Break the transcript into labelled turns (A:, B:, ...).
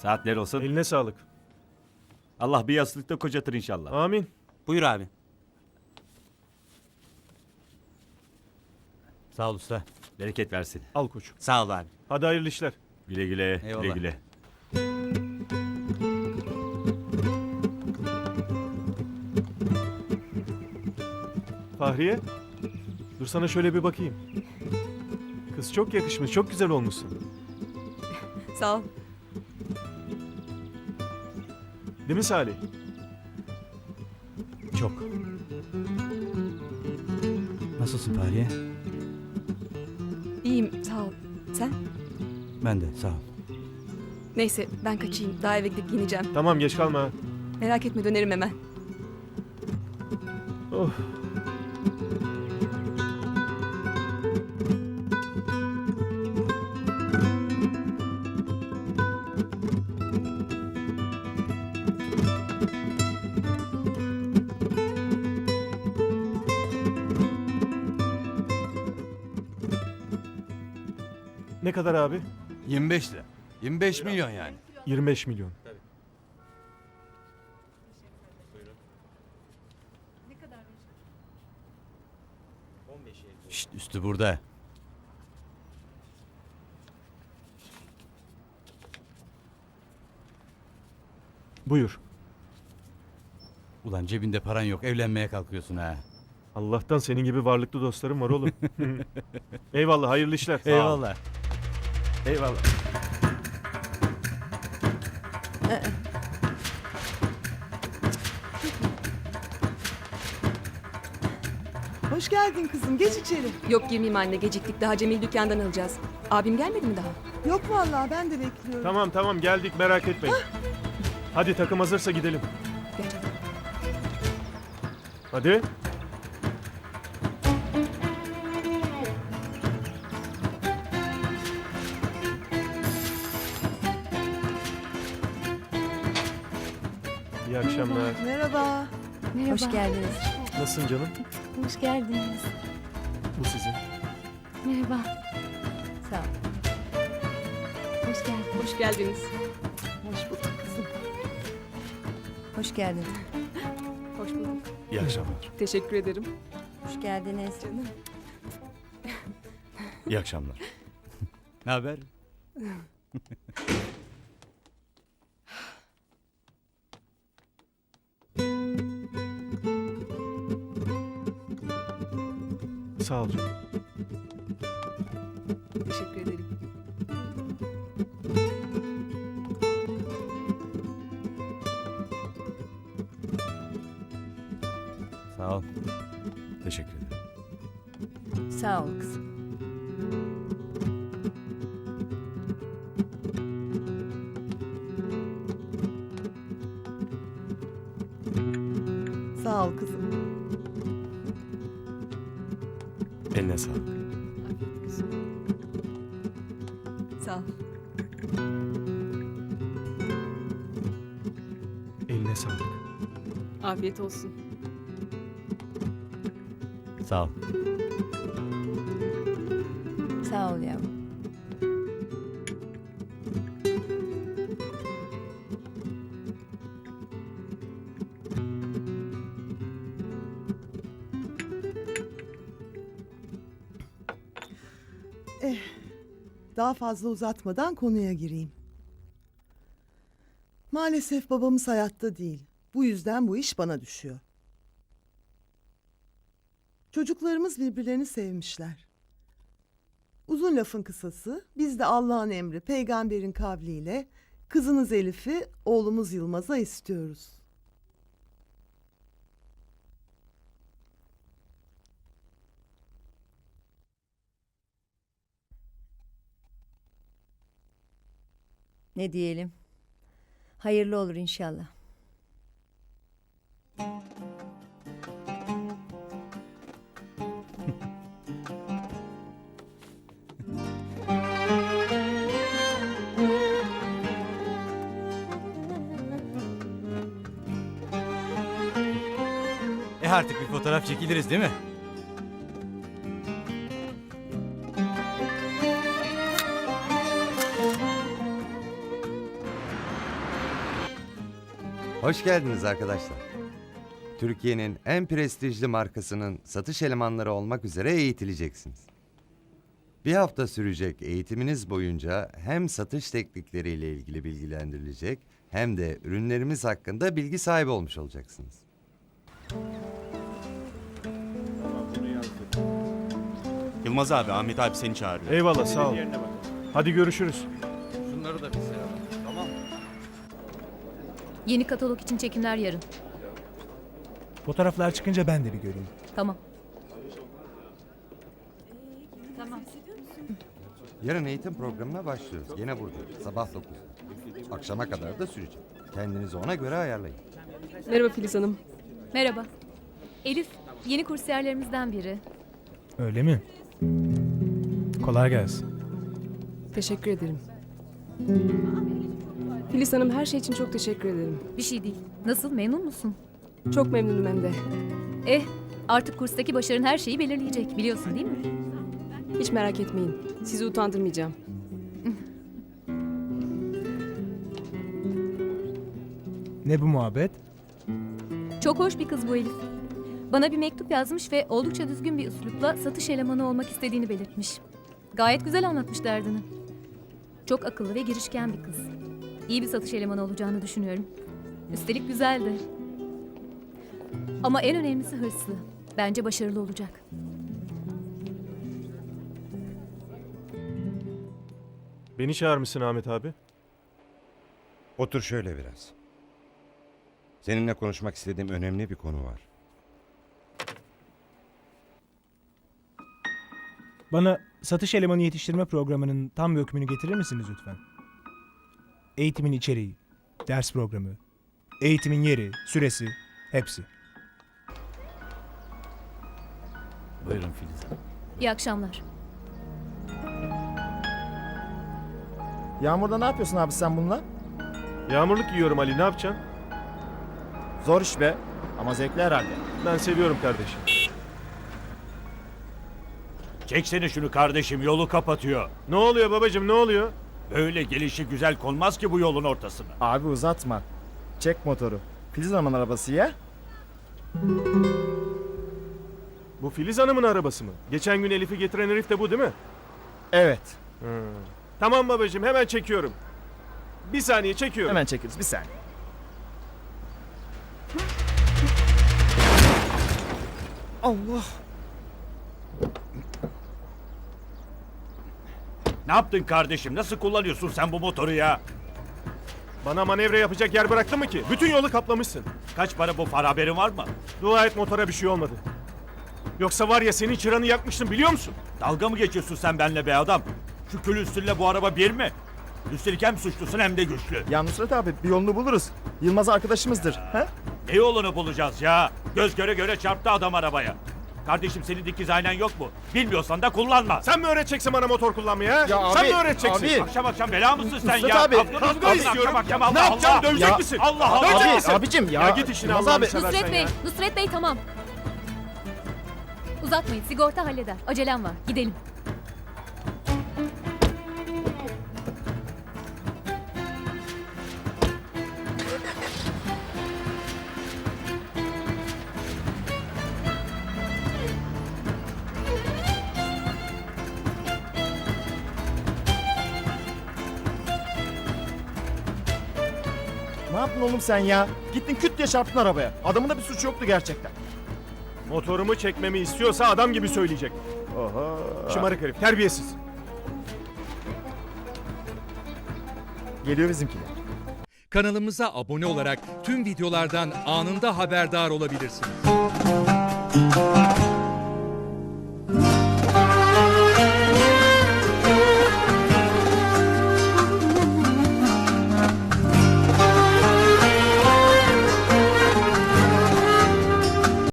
A: Saatler olsun.
B: Eline sağlık.
A: Allah bir yastıkta kocatır inşallah.
B: Amin.
C: Buyur abi. Sağ ol usta.
A: Bereket versin.
B: Al koçum.
C: Sağ ol abi.
B: Hadi hayırlı işler.
A: Güle güle.
C: Eyvallah.
A: Güle güle.
B: Fahriye. Dur sana şöyle bir bakayım. Kız çok yakışmış, çok güzel olmuşsun.
D: Sağ ol.
B: Değil mi Salih?
C: Çok. Nasılsın Fahriye?
D: İyiyim sağ ol. Sen?
C: Ben de sağ ol.
D: Neyse ben kaçayım. Daha eve gidip giyineceğim.
B: Tamam geç kalma.
D: Merak etme dönerim hemen.
B: Oh. Ne kadar abi?
E: 25 lira. 25 milyon yani.
B: 25 milyon.
C: Şşt, üstü burada.
B: Buyur.
C: Ulan cebinde paran yok, evlenmeye kalkıyorsun ha.
B: Allah'tan senin gibi varlıklı dostlarım var oğlum. Eyvallah, hayırlı işler. Sağ ol.
C: Eyvallah.
A: Eyvallah.
F: Hoş geldin kızım. Geç içeri.
D: Yok girmeyeyim anne geciktik. Daha Cemil dükkandan alacağız. Abim gelmedi mi daha?
F: Yok vallahi ben de bekliyorum.
B: Tamam tamam geldik merak etmeyin. Hadi takım hazırsa gidelim.
D: Gel canım.
B: Hadi. İyi akşamlar.
F: Merhaba.
G: Hoş geldiniz.
B: Nasılsın canım?
G: Hoş geldiniz.
B: Bu sizin.
G: Merhaba. Sağ ol. Hoş geldin.
D: Hoş geldiniz.
F: Hoş bulduk kızım.
G: Hoş geldin.
D: Hoş bulduk.
E: İyi akşamlar.
D: Teşekkür ederim.
G: Hoş geldiniz.
D: Canım.
E: İyi akşamlar.
C: Ne haber?
B: Sağ ol canım.
D: Teşekkür ederim.
C: Sağ ol.
E: Teşekkür ederim.
G: Sağ ol kızım.
F: Sağ ol kızım.
E: Eline sağlık.
D: Sağ ol.
B: Eline sağlık.
D: Afiyet olsun.
C: Sağ ol.
G: Sağ ol yavrum.
F: Daha fazla uzatmadan konuya gireyim. Maalesef babamız hayatta değil. Bu yüzden bu iş bana düşüyor. Çocuklarımız birbirlerini sevmişler. Uzun lafın kısası, biz de Allah'ın emri, peygamberin kavliyle kızınız Elif'i oğlumuz Yılmaz'a istiyoruz.
G: Ne diyelim? Hayırlı olur inşallah.
C: Artık bir fotoğraf çekiliriz değil mi?
H: Hoş geldiniz arkadaşlar. Türkiye'nin en prestijli markasının satış elemanları olmak üzere eğitileceksiniz. Bir hafta sürecek eğitiminiz boyunca hem satış teknikleriyle ilgili bilgilendirilecek hem de ürünlerimiz hakkında bilgi sahibi olmuş olacaksınız.
I: Yılmaz abi, Ahmet abi seni çağırıyor.
B: Eyvallah sağ ol. Hadi görüşürüz.
J: Yeni katalog için çekimler yarın.
K: Fotoğraflar çıkınca ben de bir göreyim.
J: Tamam.
H: Yarın eğitim programına başlıyoruz. Yine burada. Sabah 9'da. Akşama kadar da sürecek. Kendinizi ona göre ayarlayın.
D: Merhaba Filiz Hanım.
J: Merhaba. Elif, yeni kursiyerlerimizden biri.
K: Öyle mi? Kolay gelsin.
D: Teşekkür ederim. Filiz Hanım her şey için çok teşekkür ederim.
J: Bir şey değil. Nasıl, memnun musun?
D: Çok memnunum hem de.
J: Artık kurstaki başarın her şeyi belirleyecek. Biliyorsun değil mi?
D: Hiç merak etmeyin. Sizi utandırmayacağım.
K: Ne bu muhabbet?
J: Çok hoş bir kız bu Elif. Bana bir mektup yazmış ve oldukça düzgün bir üslupla satış elemanı olmak istediğini belirtmiş. Gayet güzel anlatmış derdini. Çok akıllı ve girişken bir kız. İyi bir satış elemanı olacağını düşünüyorum. Üstelik güzel de. Ama en önemlisi hırslı. Bence başarılı olacak.
B: Beni çağırmışsın Ahmet abi.
I: Otur şöyle biraz. Seninle konuşmak istediğim önemli bir konu var.
K: Bana satış elemanı yetiştirme programının tam bir öykümünü getirir misiniz lütfen? Eğitimin içeriği, ders programı, eğitimin yeri, süresi, hepsi.
A: Buyurun Filiz Hanım.
J: İyi akşamlar.
L: Yağmurda ne yapıyorsun abi sen bununla?
B: Yağmurluk yiyorum Ali, ne yapacaksın?
L: Zor iş be. Ama zevkli herhalde.
B: Ben seviyorum kardeşim.
A: Çeksene şunu kardeşim, yolu kapatıyor.
B: Ne oluyor babacığım, ne oluyor?
A: Böyle gelişi güzel konmaz ki bu yolun ortasına.
L: Abi uzatma. Çek motoru. Filiz Hanım'ın arabası ya.
B: Bu Filiz Hanım'ın arabası mı? Geçen gün Elif'i getiren herif de bu değil mi?
L: Evet.
B: Tamam babacığım, hemen çekiyorum. Bir saniye çekiyorum.
L: Hemen çekeriz bir saniye. Allah.
A: Ne yaptın kardeşim? Nasıl kullanıyorsun sen bu motoru ya?
B: Bana manevra yapacak yer bıraktın mı ki? Bütün yolu kaplamışsın.
A: Kaç para bu para, haberin var mı?
B: Dua et motora bir şey olmadı. Yoksa var ya senin çıranı yakmıştım biliyor musun?
A: Dalga mı geçiyorsun sen benimle be adam? Şu külüstürle bu araba bir mi? Üstelik hem suçlusun hem de güçlü.
L: Ya Nusret abi bir yolunu buluruz. Yılmaz arkadaşımızdır. He?
A: Ne yolunu bulacağız ya? Göz göre göre çarptı adam arabaya. Kardeşim senin dikiz aynen yok mu? Bilmiyorsan da kullanma.
B: Sen mi öğreteceksin bana motor kullanmayı ha?
L: Ya
B: Sen
L: abi,
B: mi öğreteceksin?
L: abi.
A: Akşam akşam bela mısın sen
L: Nusret
A: ya?
L: abi,
B: kavga istiyorum.
A: Akşam Allah
B: Ne yapacaksın?
A: Allah.
B: Dövecek
L: Ya-
B: misin?
A: Allah Allah.
B: Dövecek
L: Abi,
B: misin?
L: abicim ya.
B: Ya git işine
L: Yılmaz
B: Allah'ını
L: abi.
B: seversen
J: Nusret Bey,
B: ya.
J: Nusret Bey tamam. Uzatmayın, sigorta halleder. Acelem var, gidelim.
L: Ne yaptın oğlum sen ya? Gittin küt diye çarptın arabaya. Adamın da bir suçu yoktu gerçekten.
B: Motorumu çekmemi istiyorsa adam gibi söyleyecek.
L: Oho.
B: Şımarık herif, terbiyesiz.
L: Geliyor bizimkiler.
M: Kanalımıza abone olarak tüm videolardan anında haberdar olabilirsiniz.